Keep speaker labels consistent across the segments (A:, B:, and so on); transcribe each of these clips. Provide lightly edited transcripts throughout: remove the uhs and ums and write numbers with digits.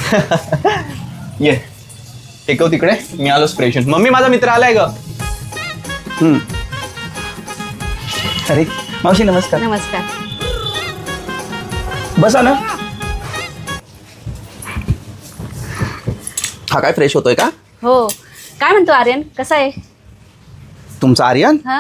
A: ये टेकव तिकडे, मी आलो स्प्रेशन. मम्मी माझा मित्र आलाय ग.
B: अरे मावशी नमस्कार.
C: नमस्कार.
B: बसा ना. हा काय फ्रेश होतोय का?
C: हो. काय म्हणतो आर्यन, कसा आहे?
B: तुमचा आर्यन?
C: हा.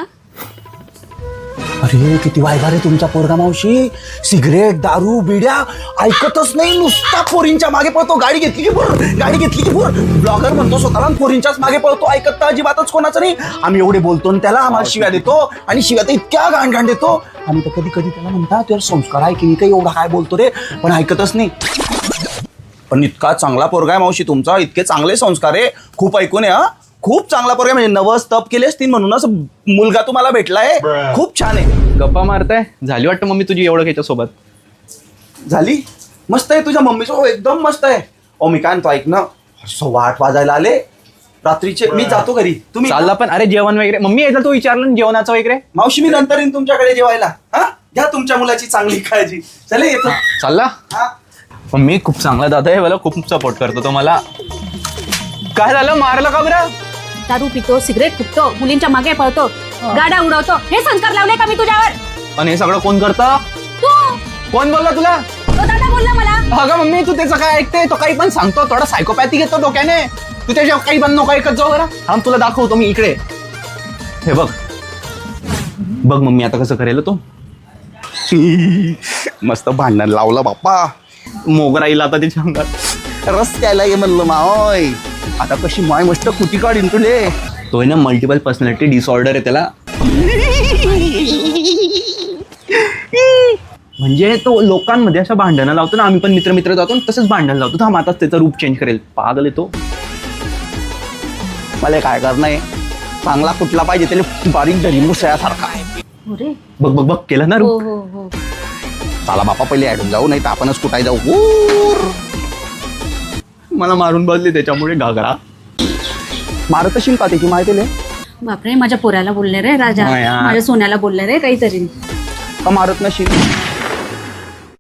B: अरे किती वायदा रे तुमचा पोरगा मावशी. सिगरेट दारू बिड्या ऐकतच नाही, नुसता पोरींच्या मागे पळतो. गाडी घेतली की पोर, गाडी घेतली की पोर. ब्लॉगर म्हणतो स्वतःला, पोरींच्याच मागे पळतो. ऐकत तर अजिबातच कोणाचं नाही. आम्ही एवढे बोलतो आणि त्याला आम्हाला शिव्या देतो, आणि शिव्या तर इतक्या घाण देतो. आम्ही तर कधी कधी त्याला म्हणता तुझ्या संस्कार आहे की काही, एवढा काय बोलतो रे, पण ऐकतच नाही. पण इतका चांगला पोरगा आहे मावशी तुमचा, इतके चांगले संस्कार आहे. खूप ऐकून आहे. हा खूप चांगला पोरगा, म्हणजे नवस तप केले असतील म्हणूनच मुलगा तुम्हाला भेटलाय. खूप छान आहे.
A: गप्पा मारताय, झाली वाटतं मम्मी तुझी एवढं याच्या सोबत.
B: झाली. मस्त आहे तुझ्या मम्मीचं, एकदम मस्त आहे. ओ मी काय म्हणतो, ऐक ना, 8:15 वाजायला आले रात्रीचे. मी जातो घरी, तुम्ही
A: चालला पण. अरे जेवण वगैरे मम्मी यायचं तू विचारलं जेवणाचं वगैरे.
B: मावशी मी नंतर येईन तुमच्याकडे जेवायला. हा घ्या तुमच्या मुलाची चांगली काळजी. चले येतो.
A: चालला.
B: हा
A: मम्मी खूप चांगला दादा आहे, मला खूप सपोर्ट करतो तो मला. काय झालं, मारलं का बरं?
C: दारू पितो, सिगरेट फुकतो, मुलींच्या मागे पळतो, गाड्या उडवतो. हे संस्कार लावले का मी तुझ्यावर?
A: पण हे सगळं कोण करतं?
C: तू.
A: कोण बोलला तुला?
C: तो दादा बोलला मला.
A: अगं मम्मी तू त्याचं काय ऐकते, तो काही पण सांगतो, थोडा सायकोपॅथी घेतो डोक्याने. तू त्याच्या काही पण नको ऐकत जाऊ. बरं थांब तुला दाखवतो मी इकडे. हे बघ बघ मम्मी आता कसं करेल तो.
B: मस्त भांडण लावलं बाप्पा.
A: मोगरा येईल आता त्याच्या अंगात.
B: रस्त्याला ये म्हणलं माय. आता कशी माय मस्त कुटी काढीन तुले.
A: तो आहे ना मल्टिपल पर्सनॅलिटी डिसऑर्डर आहे त्याला. म्हणजे तो लोकांमध्ये असं भांडणं लावतो ना, आम्ही पण मित्र जातो तसंच भांडण लावतो. थांब आता त्याचं रूप चेंज करेल. पागल आहे तो.
B: मला काय करणं आहे, चांगला कुठला पाहिजे त्याला बारीक धरी मुसळ्यासारखा.
C: अरे
A: बघ बघ बघ केलं ना
C: हो
A: रूप.
C: हो हो.
B: चला बापा पहिले ऍडून जाऊ, नाही तर आपणच कुठाय जाऊ.
A: मला मारून बसली त्याच्यामुळे घागरा.
B: मारत असेल का त्याची माहिती
C: बापरे, माझ्या पोराला बोलले रे राजा,
A: हा यार.
C: माझ्या सोन्याला बोलले रे काहीतरी.
B: का मारत नशील?